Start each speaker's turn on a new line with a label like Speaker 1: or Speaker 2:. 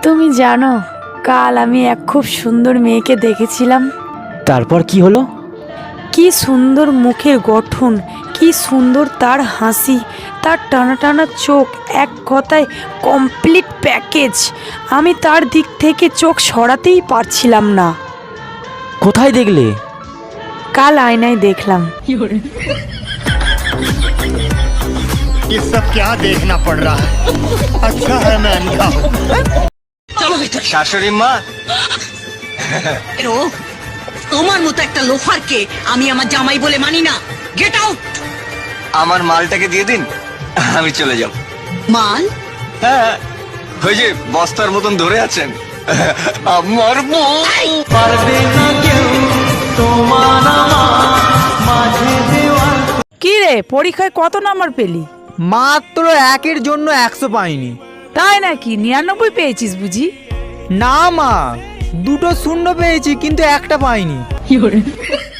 Speaker 1: তুমি জানো, কাল আমি এক খুব সুন্দর মেয়েকে দেখেছিলাম।
Speaker 2: তারপর কি হলো?
Speaker 1: কি সুন্দর মুখের গঠন, কি সুন্দর তার হাসি, তার টানা টানা চোখ, এক কথায় কমপ্লিট প্যাকেজ। আমি তার দিক থেকে চোখ সরাতেই পারছিলাম না।
Speaker 2: কোথায় দেখলে?
Speaker 1: কাল আয়নায় দেখলাম।
Speaker 3: ये सब क्या देखना पड़ रहा है? अच्छा है मैं अंधा हूँ।
Speaker 4: শাশুড়ি মা,
Speaker 5: এরো, তোমার মতো একটা লোফারকে আমি আমার জামাই বলে মানি না। Get out.
Speaker 4: আমার মালটাকে দিয়ে দিন, আমি চলে যাব।
Speaker 5: মাল?
Speaker 4: হ্যাঁ, ওই যে বস্তার মতন ধরে আছেন, আমার বউ। পারবে না কেউ তোমার
Speaker 6: কি রে, পরীক্ষায় কত নাম্বার পেলি?
Speaker 7: মাত্র একের জন্য 100 পাইনি।
Speaker 6: তাই নাকি? 99 পেয়েছিস বুঝি?
Speaker 7: না মা, দুটো শূন্য পেয়েছি কিন্তু একটা পাইনি।